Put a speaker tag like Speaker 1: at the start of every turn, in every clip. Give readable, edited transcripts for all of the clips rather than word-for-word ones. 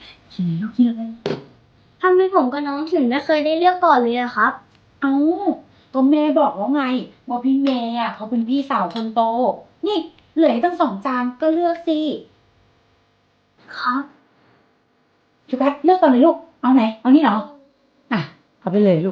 Speaker 1: กินลูกกินอะไร
Speaker 2: ทำไมผมกับน้องถึงไม่เคยได้เลือกก่อนเลยอะครับ
Speaker 1: เอ้าก็แม่บอกแล้วไงว่าพี่เมย์อ่ะเขาเป็นพี่สาวคนโตนี่เหลืออีกตั้ง2 จานก็เลือกสิ
Speaker 2: ครับ
Speaker 1: ชูกัสเลือกก่อนเลยลูกเอาไหนเอานี่เหรออ่ะเอาไปเลยลูก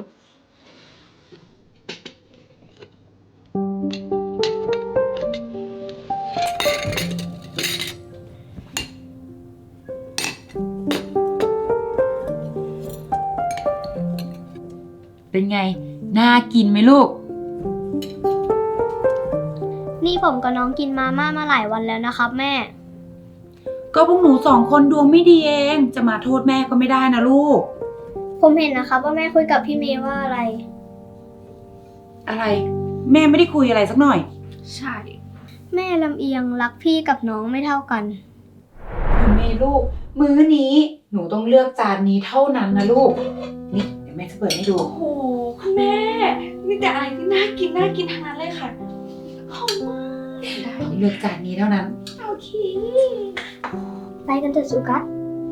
Speaker 1: เป็นไงน่ากินไหมลูก
Speaker 2: นี่ผมกับน้องกินมาม่ามาหลายวันแล้วนะครับแม่
Speaker 1: ก็พวกหนู2 คนดวงไม่ดีเองจะมาโทษแม่ก็ไม่ได้นะลูก
Speaker 2: ผมเห็นนะครับว่าแม่คุยกับพี่เมย์ว่าอะไร
Speaker 1: อะไร แม่ไม่ได้คุยอะไรสักหน่อย
Speaker 3: ใช่
Speaker 2: แม่ลำเอียงรักพี่กับน้องไม่เท่ากัน
Speaker 1: เมย์ลูก มื้อนี้หนูต้องเลือกจานนี้เท่านั้นนะลูกนี่เดี๋ยวแม่จะเปิดให้ดู
Speaker 3: โอ้โหคุณแม่มีแต่อะไรที่น่ากินน่ากินทั้งนั้นเลยค่ะหอมมากได้
Speaker 1: เลือกจานนี้เท่านั้น
Speaker 3: โอเค
Speaker 2: ไปกันเถอะสุกัส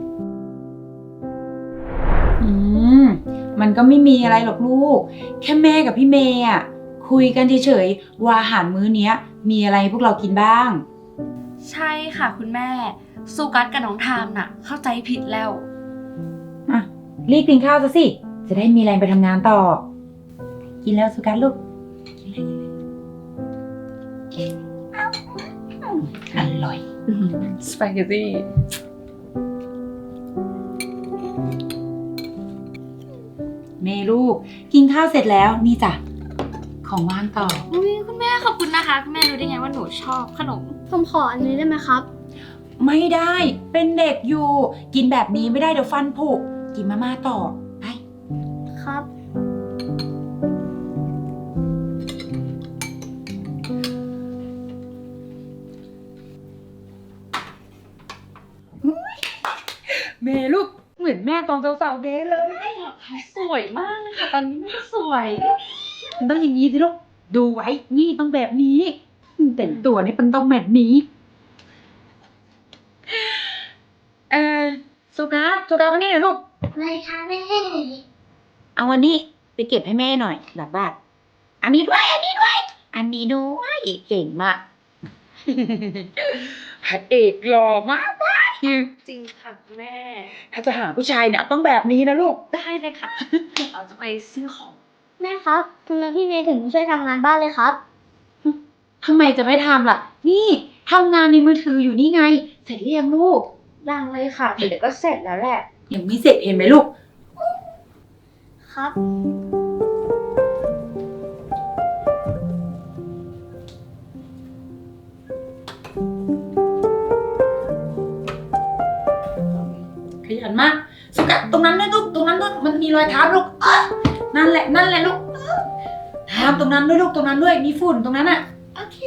Speaker 1: อืมมันก็ไม่มีอะไรหรอกลูก แค่แม่กับพี่เมย์อ่ะคุยกันเฉยๆว่าอาหารมื้อเนี้ย มีอะไรให้พวกเรากินบ้าง
Speaker 3: ใช่ค่ะคุณแม่สุกัสกับน้องทามน่ะ เข้าใจผิดแล้ว
Speaker 1: อ่ะรีบกินข้าวซะสิ จะได้มีแรงไปทำงานต่อ กินแล้วสุกัสลูก กินเลยอร่อย
Speaker 3: สปาเกตตี้
Speaker 1: เมย์ลูก กินข้าวเสร็จแล้วนี่จ้ะของว่างต่อ
Speaker 3: อุ๊ยคุณแม่ขอบคุณนะคะคุณแม่รู้ได้ไงว่าหนูชอบขนม
Speaker 2: ผมขออันนี้ได้ไหมครับ
Speaker 1: ไม่ได้ เป็นเด็กอยู่ กินแบบนี้ไม่ได้เดี๋ยวฟันผุกินมาม่าต่อ ไป
Speaker 2: ครับ
Speaker 1: เมย์ลูก เหมือนแม่ตอนสาวๆเดย์เลย
Speaker 3: สวยมากเลยค่ะตอนนี้แม่สวย
Speaker 1: มันต้องอย่างนี้สิลูก ดูไว้ นี่ต้องแบบนี้แต่งตัวนี่มันต้องแบบนี้ สุกัสมานี่หน่อยลูก
Speaker 2: อะไรคะแม่
Speaker 1: เอาอันนี้ไปเก็บให้แม่หน่อยหลังบ้านอันนี้ด้วย อันนี้ด้วย อันนี้ด้วยเก่งมากพระเอกหล่อมากเลย
Speaker 3: จริงค่ะคุณแม่
Speaker 1: ถ้าจะหาผู้ชายเนี่ยต้องแบบนี้นะลูก
Speaker 3: ได้เลยค่ะเราจะไปซื้อของ
Speaker 2: แม่ครับทำไมพี่เมย์ถึงไม่ช่วยทำงานบ้านเลยครับ
Speaker 1: ทำไมจะไม่ทำล่ะ นี่ทำงานในมือถืออยู่นี่ไง เสร็จหรือยังลูก
Speaker 3: ยังเลยค่ะเดี๋ยวก็เสร็จแล้วแหละ
Speaker 1: ยังไม่เสร็จเห็นไหมลูก
Speaker 2: ครับ
Speaker 1: ขยันมากสุกัดตรงนั้นด้วยลูกตรงนั้นด้วยมันมีรอยเท้าลูกนั่นแหละนั่นแหละลูกทำตรงนั้นด้วยลูกตรงนั้นด้วยมีฝุ่นตรงนั้นอ่ะโอเค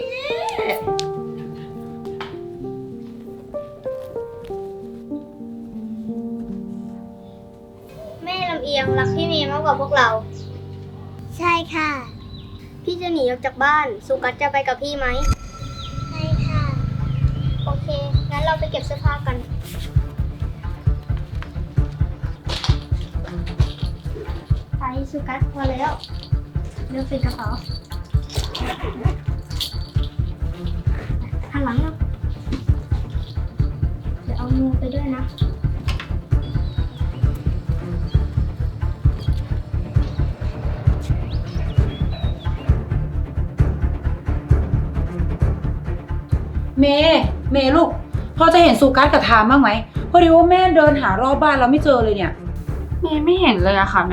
Speaker 2: แม่ลำเอียงรักพี่เมย์มากกว่าพวกเรา ใช่ค่ะ พี่จะหนีออกจากบ้าน สุกัสจะไปกับพี่ไหม ใช่ค่ะ โอเค งั้นเราไปเก็บเสื้อผ้ากัน ไปสุกัสพอแล้วเดี๋ยวใส่กระเป๋าหันหลังนะเดี๋ยวเอามือไปด้วยนะ
Speaker 1: เมย์ลูกพอจะเห็นสุกัสกับทามบ้างไหมพอดีว่าแม่เดินหารอบบ้านแล้วไม่เจอเลยเนี่ย
Speaker 3: ไม่เห็นเลยอะค่ะแม่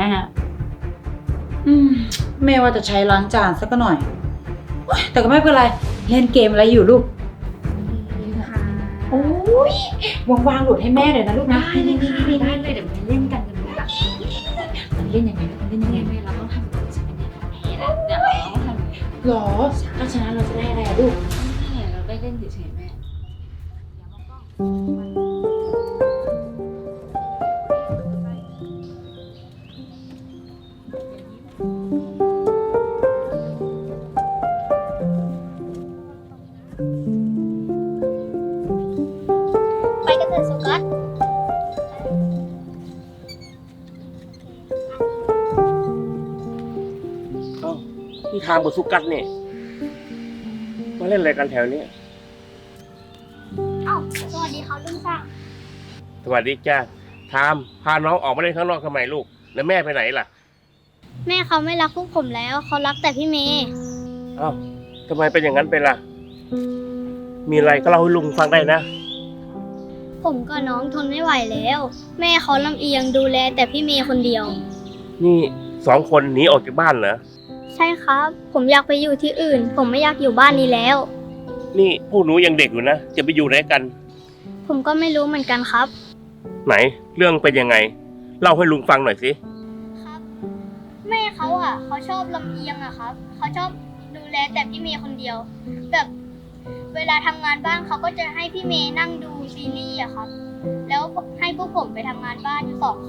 Speaker 1: แม่ว่าจะใช้ล้างจานสักหน่อยโอ๊ยแต่ก็ไม่เป็นไรเล่นเกมอะไรอยู่ลูก
Speaker 3: ค่ะ
Speaker 1: โอ้ยว่างๆโหลดให้แม่เลยนะลูกนะ
Speaker 3: ได้เลยค่ะได้เลยเดี๋ยวไปเล่นกันกันเลยอะ
Speaker 1: มันเล่นยังไงมันเล่นยังไง
Speaker 3: ไม่เราต้องทำแบบจะเป็นอย่างนี้นะเดี๋ยวเราต้องทำ
Speaker 1: หรอถ้าชนะเราจะได้อะไรอะลูก
Speaker 3: เราได้เล่นเฉยๆแม่
Speaker 2: ไปกันเถอะสุกัส
Speaker 4: ที่ทางบทสุกัดเนี่ยมาเล่นอะไรกันแถวนี้
Speaker 2: เอ้าสวัสดีครับลุงศักดิ์
Speaker 4: สวัสดีจ้าทามพาน้องออกมาเล่นข้างนอกทำไมลูก แล้วแม่ไปไหนล่ะ
Speaker 2: แม่เขาไม่รักพวกผมแล้วเขารักแต่พี่เมย์
Speaker 4: อ้าวทำไมเป็นอย่างนั้นไปล่ะ มีอะไรก็เล่าให้ลุงฟังได้นะ
Speaker 2: ผมกับน้องทนไม่ไหวแล้ว แม่เขาลำเอียงดูแลแต่พี่เมย์คนเดียว
Speaker 4: นี่2 คนหนีออกจากบ้านเหรอ
Speaker 2: ใช่ครับ ผมอยากไปอยู่ที่อื่น ผมไม่อยากอยู่บ้านนี้แล้ว
Speaker 4: นี่พวกหนูยังเด็กอยู่นะ จะไปอยู่ไหนกัน
Speaker 2: ผมก็ไม่รู้เหมือนกันครับ
Speaker 4: ไหน เรื่องเป็นยังไง เล่าให้ลุงฟังหน่อยสิ
Speaker 2: ครับ แม่เขาเขาชอบลำเอียงครับเขาชอบดูแลแต่พี่เมย์คนเดียว แบบเวลาทำงานบ้านเขาก็จะให้พี่เมย์นั่งดูซีรีส์ครับ แล้วให้พวกผมไปทำงานบ้านอยู่2 คน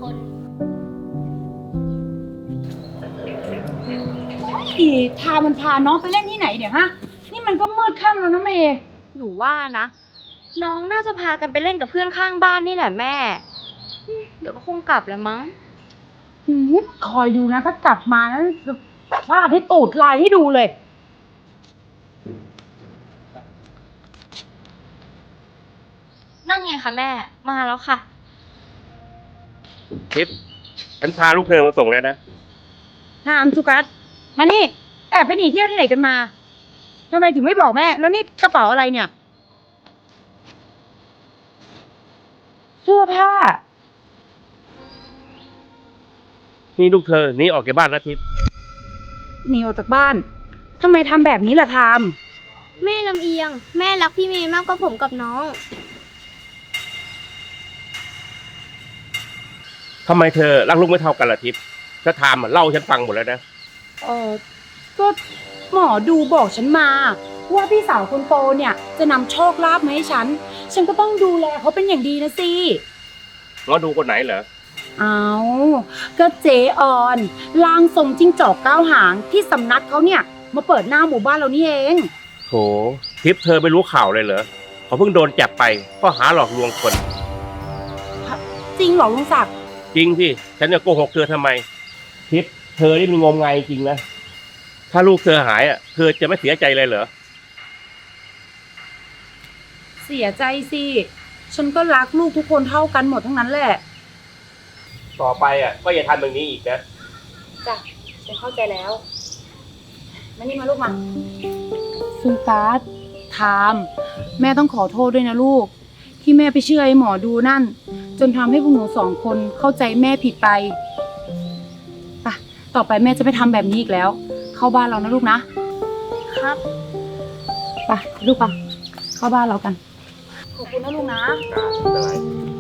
Speaker 1: อีทามันพาน้องไปเล่นที่ไหนเดี๋ยวฮะ นี่มันก็มืดค่ำแล้วนะเมย์
Speaker 3: หนูว่านะ น้องน่าจะพากันไปเล่นกับเพื่อนข้างบ้านนี่แหละแม่ เดี๋ยวก็คงกลับแล้วมั้ง
Speaker 1: คอยดูนะถ้ากลับมานะจะฟาดให้ตูดลายให้ดูเลย
Speaker 3: นั่นไงคะแม่ มาแล้วค่ะ
Speaker 4: ทิพย์ฉันพาลูกเธอมาส่งแล้วนะ
Speaker 1: ถามสุกัสมานี่ แอบไปหนีเที่ยวที่ไหนกันมาทำไมถึงไม่บอกแม่ แล้วนี่กระเป๋าอะไรเนี่ย เสื้อผ้า
Speaker 4: นี่ลูกเธอหนีออกจากบ้านนะทิพย์
Speaker 1: หนีออกจากบ้านทำไมทำแบบนี้ล่ะทาม
Speaker 2: แม่ลำเอียง แม่รักพี่เมย์มากกว่าผมกับน้อง
Speaker 4: ทำไมเธอรักลูกไม่เท่ากันล่ะทิพย์ถ้าทามเล่าให้ฉันฟังหมดแล้วนะ
Speaker 1: ก็หมอดูบอกฉันมา ว่าพี่สาวคนโตเนี่ยจะนำโชคลาภมาให้ฉัน ฉันก็ต้องดูแลเขาเป็นอย่างดีนะสิ
Speaker 4: หมอดูคนไหนเหรอ
Speaker 1: เอาก็เจออนลางทรงจิ้งจอก9 หางที่สำนักเขาเนี่ยมาเปิดหน้าหมู่บ้านเรานี่เอง
Speaker 4: โถทิพย์เธอไม่รู้ข่าวเลยเหรอเขาเพิ่งโดนจับไปข้อหาหลอกลวงคน
Speaker 1: จริงเหรอลุงศักดิ์
Speaker 4: จริงสิฉันจะโกหกเธอทำไม ทิพย์เธอนี่มันงมงายจริงนะ ถ้าลูกเธอหายเธอจะไม่เสียใจเลยเหรอ
Speaker 1: เสียใจสิฉันก็รักลูกทุกคนเท่ากันหมดทั้งนั้นแหละ
Speaker 4: ต่อไปก็อย่าทำแบบนี้อีกนะ
Speaker 1: จ้ะฉันเข้าใจแล้วมานี่มาลูกมาซูการ์ดทามแม่ต้องขอโทษด้วยนะลูก ที่แม่ไปเชื่อไอ้หมอดูนั่น จนทำให้พวกหนู2 คนเข้าใจแม่ผิดไปไปต่อไปแม่จะไม่ทำแบบนี้อีกแล้ว เข้าบ้านเรานะลูกนะครับ ไปลูกไปเข้าบ้านเรากัน ขอบคุณนะลูกนะ
Speaker 4: ไม่เป็นไร